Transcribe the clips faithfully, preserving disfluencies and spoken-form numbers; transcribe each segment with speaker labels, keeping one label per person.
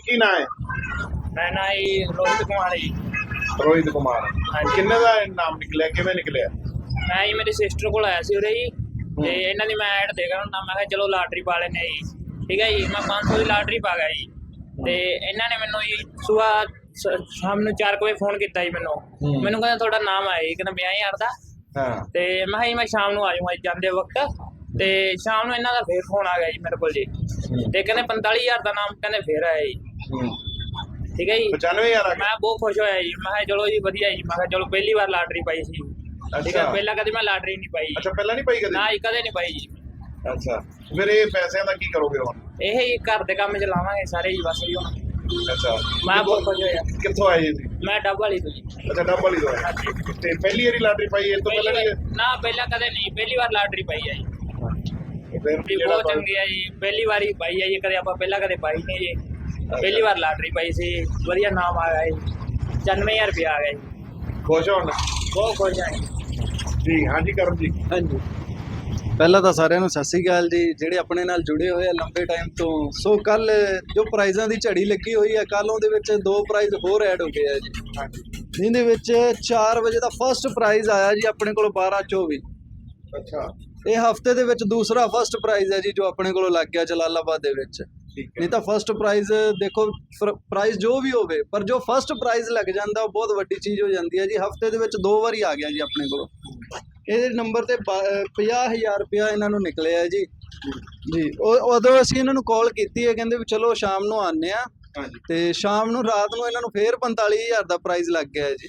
Speaker 1: ਕੀ ਨਾਂ ਹੈ?
Speaker 2: मैं ना ही रोहित कुमार जी।
Speaker 1: ਰੋਹਿਤ ਕੁਮਾਰ।
Speaker 2: हाँ जी।
Speaker 1: ਕਿੰਨੇ ਦਾ ਨਾਮ ਨਿਕਲਿਆ, ਕਿਵੇਂ ਨਿਕਲਿਆ?
Speaker 2: मैं ही मेरी सिस्टर को आया सी उरे जी ते इन्हां दी मैं ऐड देखा हुंदा, मैं कहा चलो लाटरी पा लेने जी। ठीक है जी, मैं पाँच सौ की लाटरी पा गया जी ते इन्हां ने मैनू जी सुबह शाम ਨੂੰ चार ਵਜੇ फोन किया जी मैनू मैनू कहंदा ਤੁਹਾਡਾ नाम आया जी, कहंदा ਪੰਜਾਹ हज़ार ਦਾ।
Speaker 1: ਹਾਂ
Speaker 2: ਤੇ ਮੈਂ ਕਿਹਾ ਜੀ ਮੈਂ ਸ਼ਾਮ ਨੂੰ ਆ ਜਾਊਂਗਾ ਜਾਂਦੇ ਵਕਤ। ਤੇ ਸ਼ਾਮ ਨੂੰ ਇਹਨਾਂ ਦਾ ਫੇਰ ਫੋਨ ਆ ਗਿਆ ਜੀ ਮੇਰੇ ਕੋਲ ਜੀ ਤੇ ਕਹਿੰਦੇ ਪੰਤਾਲੀ ਹਜ਼ਾਰ ਦਾ ਨਾਮ ਕਹਿੰਦੇ ਫੇਰ ਆਇਆ ਜੀ। ਠੀਕ ਹੈ ਜੀ,
Speaker 1: ਪਚਾਨਵੇਂ ਹਜ਼ਾਰ ਆ ਗਿਆ।
Speaker 2: ਮੈਂ ਬਹੁਤ ਖੁਸ਼ ਹੋਇਆ ਜੀ। ਮੈਂ ਕਿਹਾ ਚਲੋ ਜੀ ਵਧੀਆ ਜੀ, ਮੈਂ ਕਿਹਾ ਚਲੋ ਪਹਿਲੀ ਵਾਰ ਲਾਟਰੀ ਪਾਈ ਸੀ। ਠੀਕ ਹੈ, ਪਹਿਲਾਂ ਕਦੇ ਮੈਂ ਲਾਟਰੀ ਨਹੀਂ ਪਾਈ।
Speaker 1: ਅੱਛਾ, ਪਹਿਲਾਂ ਨਹੀਂ ਪਾਈ ਕਦੇ?
Speaker 2: ਨਾ ਜੀ, ਕਦੇ ਨਹੀਂ ਪਾਈ ਜੀ।
Speaker 1: ਅੱਛਾ, ਫਿਰ ਇਹ ਪੈਸਿਆਂ ਦਾ ਕੀ ਕਰੋਗੇ ਹੁਣ?
Speaker 2: ਇਹ ਹੀ ਘਰ ਦੇ ਕੰਮ ਚ ਲਾਵਾਂਗੇ ਸਾਰੇ ਜੀ ਬਸ ਜੀ ਹੁਣ।
Speaker 1: ਅੱਛਾ,
Speaker 2: ਮੈਂ ਬਹੁਤ ਖੁਸ਼ ਹੋਇਆ।
Speaker 1: ਕਿੱਥੋਂ ਆਏ ਜੀ?
Speaker 2: ਮੈਂ ਡੱਬ ਵਾਲੀ ਤੋਂ ਜੀ।
Speaker 1: ਅੱਛਾ, ਡੱਬ ਵਾਲੀ ਤੋਂ ਆਏ। ਤੇ ਪਹਿਲੀ ਵਾਰੀ ਲਾਟਰੀ ਪਾਈ ਇਸ ਤੋਂ ਪਹਿਲਾਂ ਨਹੀਂ?
Speaker 2: ਨਾ ਪਹਿਲਾਂ ਕਦੇ ਨਹੀਂ, ਪਹਿਲੀ ਵਾਰ ਲਾਟਰੀ ਪਾਈ ਹੈ ਜੀ।
Speaker 1: ਫਿਰ
Speaker 2: ਜੀ ਬਹੁਤ ਚੰਗੀ ਹੈ ਜੀ, ਪਹਿਲੀ ਵਾਰੀ ਪਾਈ ਹੈ ਜੀ, ਕਦੇ ਆਪਾਂ ਪਹਿਲਾਂ ਕਦੇ ਪਾਈ ਨਹੀਂ ਜੀ। ਪਹਿਲੀ ਵਾਰ ਲਾਟਰੀ ਪਾਈ ਸੀ, ਵਧੀਆ ਨਾਮ ਆ ਗਿਆ ਜੀ, ਪਚਾਨਵੇਂ ਹਜ਼ਾਰ ਰੁਪਇਆ ਆ ਗਿਆ ਜੀ।
Speaker 1: ਖੁਸ਼ ਹੋਣ?
Speaker 2: ਬਹੁਤ ਖੁਸ਼ ਹਾਂ
Speaker 1: ਜੀ। ਹਾਂਜੀ ਕਰਮ ਜੀ।
Speaker 3: ਹਾਂਜੀ, ਪਹਿਲਾਂ ਤਾਂ ਸਾਰਿਆਂ ਨੂੰ ਸਤਿ ਸ੍ਰੀ ਅਕਾਲ ਜੀ, ਜਿਹੜੇ ਆਪਣੇ ਨਾਲ ਜੁੜੇ ਹੋਏ ਆ ਲੰਬੇ ਟਾਈਮ ਤੋਂ। ਸੋ ਕੱਲ ਜੋ ਪ੍ਰਾਈਜ਼ਾਂ ਦੀ ਝੜੀ ਲੱਗੀ ਹੋਈ ਹੈ, ਕੱਲ ਉਹਦੇ ਵਿੱਚ ਦੋ ਪ੍ਰਾਈਜ਼ ਹੋਰ ਐਡ ਹੋ ਗਏ ਆ ਜੀ। ਜਿਹਦੇ ਵਿੱਚ ਚਾਰ ਵਜੇ ਦਾ ਫਸਟ ਪ੍ਰਾਈਜ਼ ਆਇਆ ਜੀ ਆਪਣੇ ਕੋਲ ਬਾਰਾਂ ਚੌਵੀ।
Speaker 1: ਅੱਛਾ,
Speaker 3: ਇਹ ਹਫਤੇ ਦੇ ਵਿੱਚ ਦੂਸਰਾ ਫਸਟ ਪ੍ਰਾਈਜ਼ ਹੈ ਜੀ ਜੋ ਆਪਣੇ ਕੋਲੋਂ ਲੱਗ ਗਿਆ ਜਲਾਲਾਬਾਦ ਦੇ ਵਿੱਚ। ਨਹੀਂ ਤਾਂ ਫਸਟ ਪ੍ਰਾਈਜ਼ ਦੇਖੋ, ਪ੍ਰਾਈਜ਼ ਜੋ ਵੀ ਹੋਵੇ, ਪਰ ਜੋ ਫਸਟ ਪ੍ਰਾਈਜ਼ ਲੱਗ ਜਾਂਦਾ ਉਹ ਬਹੁਤ ਵੱਡੀ ਚੀਜ਼ ਹੋ ਜਾਂਦੀ ਹੈ ਜੀ। ਹਫਤੇ ਦੇ ਵਿੱਚ ਦੋ ਵਾਰੀ ਆ ਗਿਆ ਜੀ ਆਪਣੇ ਕੋਲੋਂ। ਇਹਦੇ ਨੰਬਰ ਤੇ ਪੰਜਾਹ ਹਜ਼ਾਰ ਰੁਪਇਆ ਇਹਨਾਂ ਨੂੰ ਨਿਕਲਿਆ ਜੀ। ਜੀ ਉਹ ਉਦੋਂ ਅਸੀਂ ਇਹਨਾਂ ਨੂੰ ਕਾਲ ਕੀਤੀ ਹੈ, ਕਹਿੰਦੇ ਵੀ ਚਲੋ ਸ਼ਾਮ ਨੂੰ ਆਉਂਦੇ ਆ। ਤੇ ਸ਼ਾਮ ਨੂੰ ਰਾਤ ਨੂੰ ਇਹਨਾਂ ਨੂੰ ਫੇਰ ਪੰਤਾਲੀ ਹਜ਼ਾਰ ਦਾ ਪ੍ਰਾਈਜ਼ ਲੱਗ ਗਿਆ ਜੀ।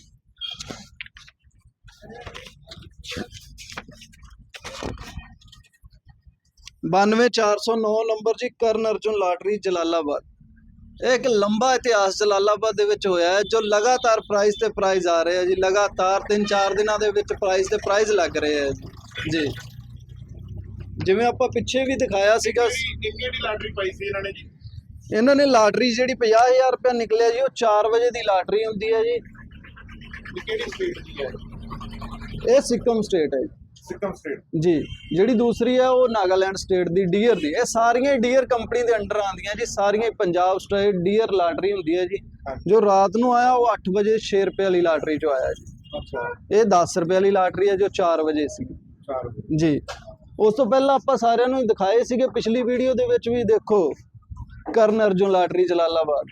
Speaker 3: ਬਾਨਵੇਂ ਚਾਰ ਸੌ ਨੌ ਨੰਬਰ ਜੀ, ਕਰਨ ਅਰਜੁਨ ਲਾਟਰੀ ਜਲਾਲਾਬਾਦ। ਇਹ ਇੱਕ ਲੰਬਾ ਇਤਿਹਾਸ ਜਲਾਲਾਬਾਦ ਦੇ ਵਿੱਚ ਹੋਇਆ ਹੈ, ਜੋ ਲਗਾਤਾਰ ਪ੍ਰਾਈਜ਼ ਤੇ ਪ੍ਰਾਈਜ਼ ਆ ਰਹੇ ਆ ਜੀ। ਲਗਾਤਾਰ ਤਿੰਨ ਚਾਰ ਦਿਨਾਂ ਦੇ ਵਿੱਚ ਪ੍ਰਾਈਜ਼ ਤੇ ਪ੍ਰਾਈਜ਼ ਲੱਗ ਰਹੇ ਆ ਜੀ। ਜਿਵੇਂ ਆਪਾਂ ਪਿੱਛੇ ਵੀ ਦਿਖਾਇਆ ਸੀਗਾ।
Speaker 1: ਕਿਹੜੀ ਲਾਟਰੀ ਪਾਈ ਸੀ ਇਹਨਾਂ ਨੇ ਜੀ?
Speaker 3: ਇਹਨਾਂ ਨੇ ਲਾਟਰੀ ਜਿਹੜੀ ਪੰਜਾਹ ਹਜ਼ਾਰ ਰੁਪਇਆ ਨਿਕਲਿਆ ਜੀ, ਉਹ ਚਾਰ ਵਜੇ ਦੀ ਲਾਟਰੀ ਹੁੰਦੀ ਹੈ ਜੀ।
Speaker 1: ਕਿਹੜੀ ਸਟੇਟ ਦੀ ਹੈ
Speaker 3: ਇਹ ਸਿੱਕਮ ਸਟੇਟ ਹੈ ਜੀ।
Speaker 1: ਸਿੱਕਮ ਸਟੇਟ
Speaker 3: ਜੀ। ਜਿਹੜੀ ਦੂਸਰੀ ਹੈ ਉਹ ਨਾਗਾਲੈਂਡ ਸਟੇਟ ਦੀ ਡੀਅਰ ਦੀ। ਇਹ ਸਾਰੀਆਂ ਡੀਅਰ ਕੰਪਨੀ ਦੇ ਅੰਡਰ ਆਉਂਦੀਆਂ ਜੀ, ਸਾਰੀਆਂ ਪੰਜਾਬ ਸਟੇਟ ਡੀਅਰ ਲਾਟਰੀ ਹੁੰਦੀ ਹੈ ਜੀ। ਜੋ ਰਾਤ ਨੂੰ ਆਇਆ ਉਹ ਅੱਠ ਵਜੇ ਛੇ ਰੁਪਏ ਵਾਲੀ ਲਾਟਰੀ ਚੋਂ ਆਇਆ ਜੀ।
Speaker 1: ਅੱਛਾ,
Speaker 3: ਇਹ ਦਸ ਰੁਪਏ ਵਾਲੀ ਲਾਟਰੀ ਹੈ ਜੋ ਚਾਰ ਵਜੇ ਸੀ
Speaker 1: ਚਾਰ ਵਜੇ
Speaker 3: ਜੀ। ਉਸ ਤੋਂ ਪਹਿਲਾਂ ਆਪਾਂ ਸਾਰਿਆਂ ਨੂੰ ਦਿਖਾਏ ਸੀਗੇ ਪਿਛਲੀ ਵੀਡੀਓ ਦੇ ਵਿੱਚ ਵੀ। ਦੇਖੋ, ਕਰਨ ਅਰਜੁਨ ਲਾਟਰੀ ਜਲਾਲਾਬਾਦ,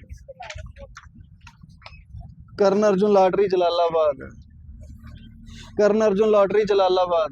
Speaker 3: ਕਰਨ ਅਰਜੁਨ ਲਾਟਰੀ ਜਲਾਲਾਬਾਦ, ਕਰਨ ਅਰਜੁਨ ਲਾਟਰੀ ਜਲਾਲਾਬਾਦ,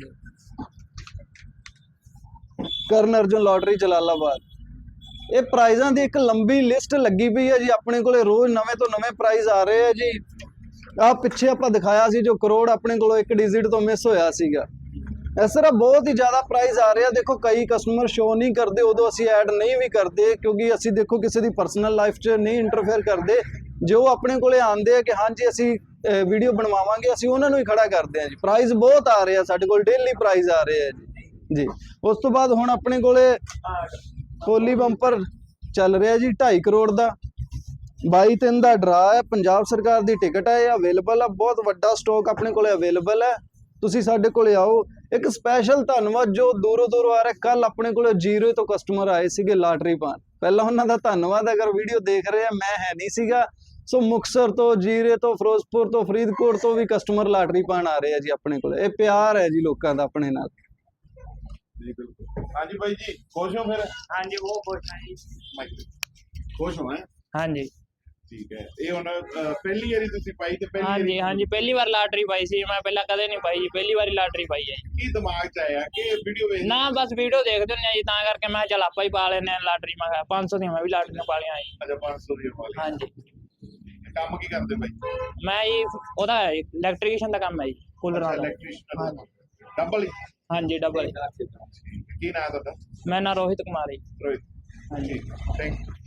Speaker 3: ਕਰਨ ਅਰਜੁਨ ਲਾਟਰੀ ਜਲਾਲਾਬਾਦ। ਇਹ ਪ੍ਰਾਈਜ਼ਾਂ ਦੀ ਇੱਕ ਲੰਬੀ ਲਿਸਟ ਲੱਗੀ ਪਈ ਹੈ ਜੀ ਆਪਣੇ ਕੋਲੇ। ਰੋਜ਼ ਨਵੇਂ ਤੋਂ ਨਵੇਂ ਪ੍ਰਾਈਜ਼ ਆ ਰਹੇ ਆ ਜੀ। ਆਹ ਪਿੱਛੇ ਆਪਾਂ ਦਿਖਾਇਆ ਸੀ ਜੋ ਕਰੋੜ ਆਪਣੇ ਕੋਲੋਂ ਇੱਕ ਡਿਜਿਟ ਤੋਂ ਮਿਸ ਹੋਇਆ ਸੀਗਾ। ਇਸ ਤਰ੍ਹਾਂ ਬਹੁਤ ਹੀ ਜ਼ਿਆਦਾ ਪ੍ਰਾਈਜ਼ ਆ ਰਹੇ ਆ। ਦੇਖੋ, ਕਈ ਕਸਟਮਰ ਸ਼ੋ ਨਹੀਂ ਕਰਦੇ, ਉਦੋਂ ਅਸੀਂ ਐਡ ਨਹੀਂ ਵੀ ਕਰਦੇ, ਕਿਉਂਕਿ ਅਸੀਂ ਦੇਖੋ ਕਿਸੇ ਦੀ ਪਰਸਨਲ ਲਾਈਫ 'ਚ ਨਹੀਂ ਇੰਟਰਫੇਅਰ ਕਰਦੇ। ਜੋ ਆਪਣੇ ਕੋਲੇ ਆਉਂਦੇ ਆ ਕਿ ਹਾਂਜੀ ਅਸੀਂ ਵੀਡੀਓ ਬਣਵਾਵਾਂਗੇ, ਅਸੀਂ ਉਹਨਾਂ ਨੂੰ ਹੀ ਖੜਾ ਕਰਦੇ ਆ ਜੀ। ਪ੍ਰਾਈਜ਼ ਬਹੁਤ ਆ ਰਹੇ ਆ ਸਾਡੇ ਕੋਲ, ਡੇਲੀ ਪ੍ਰਾਈਜ਼ ਆ ਰਹੇ ਆ ਜੀ। ਜੀ ਉਸ ਤੋਂ ਬਾਅਦ ਹੁਣ ਆਪਣੇ ਕੋਲੇ ਹੋਲੀ ਬੰਪਰ ਚੱਲ ਰਿਹਾ ਜੀ ਢਾਈ ਕਰੋੜ ਦਾ। ਬਾਈ ਤਿੰਨ ਦਾ ਡਰਾ ਹੈ, ਪੰਜਾਬ ਸਰਕਾਰ ਦੀ ਟਿਕਟ ਹੈ, ਇਹ ਅਵੇਲੇਬਲ ਆ। ਬਹੁਤ ਵੱਡਾ ਸਟਾਕ ਆਪਣੇ ਕੋਲੇ ਅਵੇਲੇਬਲ ਹੈ, ਤੁਸੀਂ ਸਾਡੇ ਕੋਲੇ ਆਓ। ਇੱਕ ਸਪੈਸ਼ਲ ਧੰਨਵਾਦ ਜੋ ਦੂਰੋਂ ਦੂਰੋਂ ਆ ਰਿਹਾ। ਕੱਲ ਆਪਣੇ ਕੋਲੇ ਜੀਰੋ ਤੋਂ ਕਸਟਮਰ ਆਏ ਸੀਗੇ ਲਾਟਰੀ ਪਾਉਣ, ਪਹਿਲਾਂ ਉਹਨਾਂ ਦਾ ਧੰਨਵਾਦ। ਅਗਰ ਵੀਡੀਓ ਦੇਖ ਰਹੇ ਆ, ਮੈਂ ਹੈ ਨਹੀਂ ਸੀਗਾ। ਸੋ ਮੁਕਤਸਰ ਤੋਂ, ਜੀਰੇ ਤੋਂ, ਫਿਰੋਜ਼ਪੁਰ ਤੋਂ, ਫਰੀਦਕੋਟ ਤੋਂ ਵੀ ਕਸਟਮਰ ਲਾਟਰੀ ਪਾਉਣ ਆ ਰਹੇ ਆ ਜੀ ਆਪਣੇ ਕੋਲ। ਇਹ ਪਿਆਰ ਹੈ ਜੀ ਲੋਕਾਂ ਦਾ ਆਪਣੇ ਨਾਲ।
Speaker 1: ਜੀ ਬਿਲਕੁਲ। ਹਾਂਜੀ ਬਾਈ ਜੀ, ਖੁਸ਼ ਹੋ ਫਿਰ?
Speaker 2: हाँ जी, बहुत खुश हैं जी।
Speaker 1: ਖੁਸ਼ ਹੋ? ਹੈ
Speaker 2: हाँ जी,
Speaker 1: ਠੀਕ ਹੈ। ਇਹ ਹੁਣ ਪਹਿਲੀ ਵਾਰੀ ਤੁਸੀਂ ਪਾਈ ਤੇ ਪਹਿਲੀ
Speaker 2: हाँ
Speaker 1: ਵਾਰੀ
Speaker 2: जी, हाँ जी, पहली बार लाटरी पाई सी। मैं पहला कदे नहीं पाई जी, पहली बारी लाटरी पाई है।
Speaker 1: ਕੀ ਦਿਮਾਗ 'ਚ ਆਇਆ ਕਿ ਵੀਡੀਓ ਵੇਖ
Speaker 2: ना बस वीडियो देखते हैं जी, तां करके मैं चल आपा ही पा लेने लाटरी। मैं पाँच सौ दी मैं भी लाटरी पा लिया जी।
Speaker 1: ਅੱਛਾ, ਪੰਜ ਸੌ ਦੀ ਵਾਲੀ।
Speaker 2: हाँ जी,
Speaker 1: ਕੰਮ ਕੀ ਕਰਦੇ ਬਾਈ?
Speaker 2: मैं जी ओदा इलैक्ट्रीशियन का काम है जी, कूलर वाला।
Speaker 1: Electrician double.
Speaker 2: हाँ जी, डबल।
Speaker 1: ਕੀ ਨਾਮ ਤੁਹਾਡਾ?
Speaker 2: मैं ना रोहित कुमार जी।
Speaker 1: ਰੋਹਿਤ।
Speaker 2: हाँ जी।
Speaker 1: Thank you.